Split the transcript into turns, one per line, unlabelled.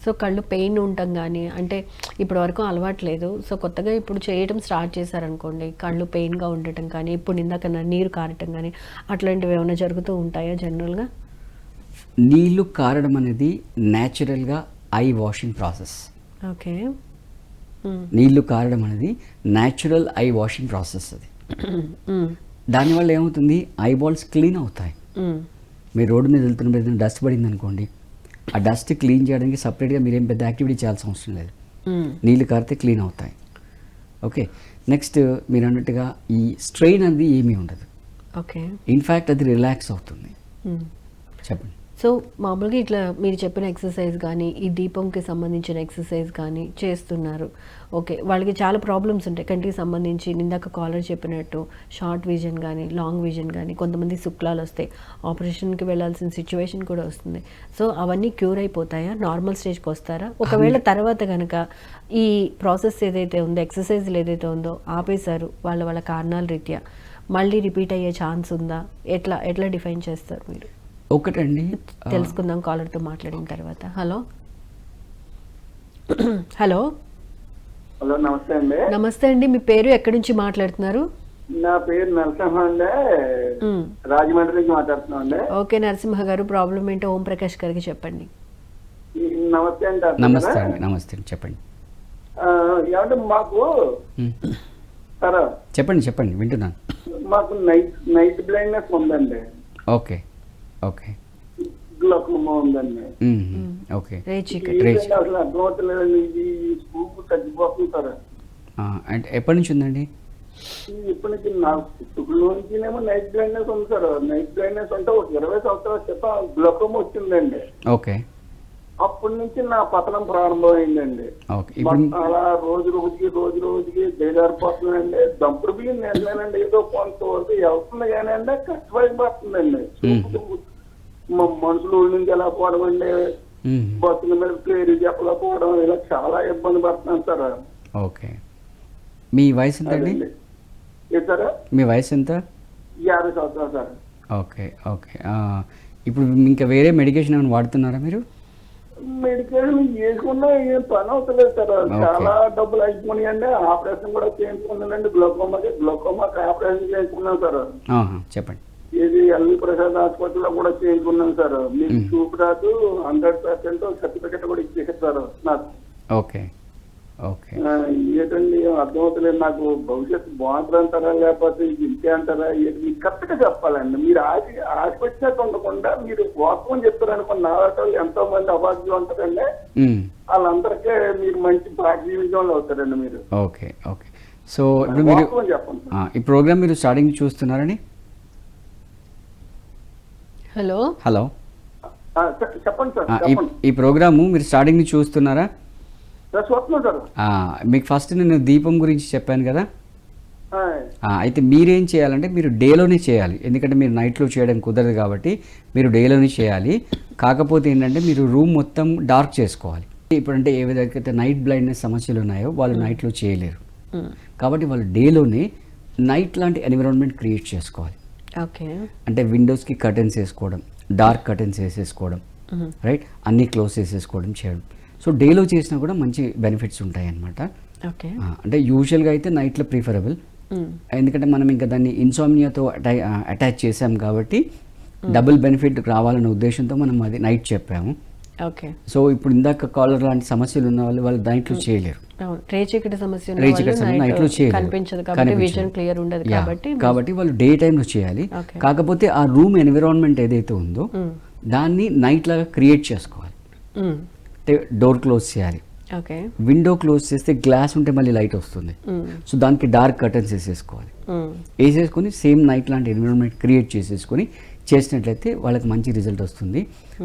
So కళ్ళు pain ఉండటం కానీ, అంటే ఇప్పటి వరకు అలవాట్లేదు, సో కొత్తగా ఇప్పుడు చేయడం స్టార్ట్ చేశారనుకోండి, కళ్ళు పెయిన్గా ఉండటం కానీ, ఇప్పుడు ఇందాక నీరు కారటం కానీ, అట్లాంటివి ఏమైనా జరుగుతూ ఉంటాయా జనరల్గా?
నీళ్లు కారడం అనేది న్యాచురల్గా ఐ వాషింగ్ ప్రాసెస్.
ఓకే.
నీళ్లు కారడం అనేది న్యాచురల్ ఐ వాషింగ్ ప్రాసెస్. అది దానివల్ల ఏమవుతుంది, ఐబాల్స్ క్లీన్ అవుతాయి. మీరు రోడ్డు మీద వెళ్తున్న డస్ట్ పడింది అనుకోండి, ఆ డస్ట్ క్లీన్ చేయడానికి సపరేట్గా మీరేం పెద్ద యాక్టివిటీ చేయాల్సిన అవసరం లేదు, నీళ్ళు కారితే క్లీన్ అవుతాయి. ఓకే. నెక్స్ట్ మీరు అన్నట్టుగా ఈ స్ట్రెయిన్ అనేది ఏమీ ఉండదు.
ఓకే.
ఇన్ఫ్యాక్ట్ అది రిలాక్స్ అవుతుంది. చెప్పండి.
సో మామూలుగా ఇట్లా మీరు చెప్పిన ఎక్సర్సైజ్ కానీ, ఈ దీపంకి సంబంధించిన ఎక్సర్సైజ్ కానీ చేస్తున్నారు. ఓకే. వాళ్ళకి చాలా ప్రాబ్లమ్స్ ఉంటాయి కంటికి సంబంధించి, ఇందాక కాలర్ చెప్పినట్టు షార్ట్ విజన్ కానీ, లాంగ్ విజన్ కానీ, కొంతమంది శుక్లాలు వస్తాయి, ఆపరేషన్కి వెళ్ళాల్సిన సిచ్యువేషన్ కూడా వస్తుంది. సో అవన్నీ క్యూర్ అయిపోతాయా, నార్మల్ స్టేజ్కి వస్తారా? ఒకవేళ తర్వాత కనుక ఈ ప్రాసెస్ ఏదైతే ఉందో, ఎక్సర్సైజ్లు ఏదైతే ఉందో ఆపేశారు వాళ్ళ వాళ్ళ కారణాల రీత్యా, మళ్ళీ రిపీట్ అయ్యే ఛాన్స్ ఉందా? ఎట్లా డిఫైన్ చేస్తారు మీరు?
ఒకటండి,
తెలుసుకుందాం కాలర్తో మాట్లాడిన తర్వాత. హలో హలో
హలో, నమస్తే అండి.
నమస్తే అండి, మీ పేరు ఎక్కడి నుంచి మాట్లాడుతున్నారు?
నా పేరు నరసింహ అండి, రాజమండ్రి నుంచి మాట్లాడుతున్నాం అండి.
ఓకే నరసింహ గారు, ప్రాబ్లం ఏంటో ఓం ప్రకాష్ గారికి చెప్పండి.
నమస్తే అండి.
నమస్తే అండి. నమస్తే అండి, చెప్పండి.
ఏమంటే మాకు సరే
చెప్పండి వింటున్నాను.
మాకు నైట్ బ్లైండ్నెస్ ఉందండి.
ఓకే. ఓకే.
గ్లూకోమా ఉందండి.
ఓకే.
అసలు అర్థమవుతలేదండి, ఇది స్కూప్ తగ్గిపోతుంది సార్.
అంటే ఎప్పటి నుంచి ఉందండి?
ఇప్పటి నుంచి నాకు ఇప్పుడు నుంచినేమో నైట్ బ్లైండ్నెస్ ఉంది సార్. నైట్ బ్లైండ్నెస్ అంటే ఒక 20 సంవత్సరాల క్రితం గ్లూకోమా వచ్చిందండి.
ఓకే.
అప్పటి నుంచి నా పతనం ప్రారంభమైందండి. అలా రోజు రోజుకి బేదారిపోతుందండి. దంపుడు బియ్యం నేనండి, ఏదో కొంతవరకు వెళ్తుంది కానీ అండి కష్టపడిపోతుందండి. మనుషులు ఊళ్ళ నుంచి ఎలా పోవడం అండి, బస్సుల మీద పేరు చెప్పలేకపోవడం, ఇలా చాలా ఇబ్బంది పడుతున్నాను సార్.
ఓకే. మీ వయసు ఎంత అండి?
సార్
మీ వయసు ఎంత?
50 సంవత్సరాలు సార్.
ఓకే. ఓకే. ఇప్పుడు ఇంకా వేరే మెడికేషన్ ఏమైనా వాడుతున్నారా మీరు?
మెడికేషన్ చేసుకున్నా ఏం పని అవుతలేదు సార్. చాలా డబ్బులు అయిపోయినాయండి. ఆపరేషన్ కూడా చేయించుకున్నానండి. గ్లూకోమాకి ఆపరేషన్ చేయించుకున్నాను సార్.
చెప్పండి.
ఇది ఎల్వి ప్రసాద్ హాస్పిటల్లో కూడా చేయించుకున్నాను సార్. మీకు చూపు రాదు, 100% సర్టిఫికెట్ కూడా ఇచ్చేసారు సార్ నాకు.
ఓకే. ఓకే.
ఏంటండి అర్థమవుతలేదు నాకు. భవిష్యత్తు బాగుంటుంది అంటారా లేకపోతే ఇంతే అంటారా? మీకు కరెక్ట్గా చెప్పాలండి. మీరు ఆశపెట్టినట్టు ఉండకుండా మీరు వాస్తవం చెప్తారనుకున్న నాటలు ఎంతో మంది అవార్డులు ఉంటారండి. వాళ్ళందరికీ మీరు మంచి జీవితంలో అవుతారండి మీరు.
ఓకే. ఓకే. సో ఇప్పుడు మీరు
చెప్పండి.
ఈ ప్రోగ్రామ్ మీరు స్టార్టింగ్ చూస్తున్నారని?
హలో
చెప్పండి సార్.
ఈ ప్రోగ్రాము మీరు స్టార్టింగ్ నుంచి చూస్తున్నారా? మీకు ఫస్ట్ నేను దీపం గురించి చెప్పాను కదా. అయితే మీరేం చేయాలంటే మీరు డేలోనే చేయాలి, ఎందుకంటే మీరు నైట్లో చేయడం కుదరదు కాబట్టి మీరు డేలోనే చేయాలి. కాకపోతే ఏంటంటే మీరు రూమ్ మొత్తం డార్క్ చేసుకోవాలి. ఇప్పుడంటే ఏ విధంగా నైట్ బ్లైండ్నెస్ సమస్యలు ఉన్నాయో వాళ్ళు నైట్లో చేయలేరు, కాబట్టి వాళ్ళు డేలోనే నైట్ లాంటి ఎన్విరాన్మెంట్ క్రియేట్ చేసుకోవాలి.
ఓకే.
అంటే విండోస్కి కర్టెన్స్ వేసుకోవడం, డార్క్ కర్టెన్స్ వేసేసుకోవడం, రైట్, అన్నీ క్లోజ్ చేసేసుకోవడం చేయడం. సో డేలో చేసినా కూడా మంచి బెనిఫిట్స్ ఉంటాయి అన్నమాట.
ఓకే.
అంటే యూజువల్గా అయితే నైట్లో ప్రిఫరబుల్, ఎందుకంటే మనం ఇంకా దాన్ని ఇన్సోమ్నియాతో అటాచ్ చేసాం కాబట్టి డబుల్ బెనిఫిట్ రావాలనే ఉద్దేశంతో మనం అది నైట్ చెప్పాము.
ఓకే.
సో ఇప్పుడు ఇందాక కాలర్ లాంటి సమస్యలు ఉన్న వాళ్ళు నైట్లో చేయలేరు,
రేచీకటి సమస్య
నైట్లో చేయలేరు కాబట్టి వాళ్ళు డే టైంలో చేయాలి. కాకపోతే ఆ రూమ్ ఎన్విరాన్మెంట్ ఏదైతే ఉందో దాన్ని నైట్ లాగా క్రియేట్ చేసుకోవాలి. అంటే డోర్ క్లోజ్ చేయాలి, విండో క్లోజ్ చేస్తే గ్లాస్ ఉంటే మళ్ళీ లైట్ వస్తుంది. సో దానికి డార్క్ కర్టన్స్ వేసేసుకోవాలి. వేసేసుకొని సేమ్ నైట్ లాంటి ఎన్విరాన్మెంట్ క్రియేట్ చేసేసుకొని చేసినట్లయితే వాళ్ళకి మంచి రిజల్ట్ వస్తుంది.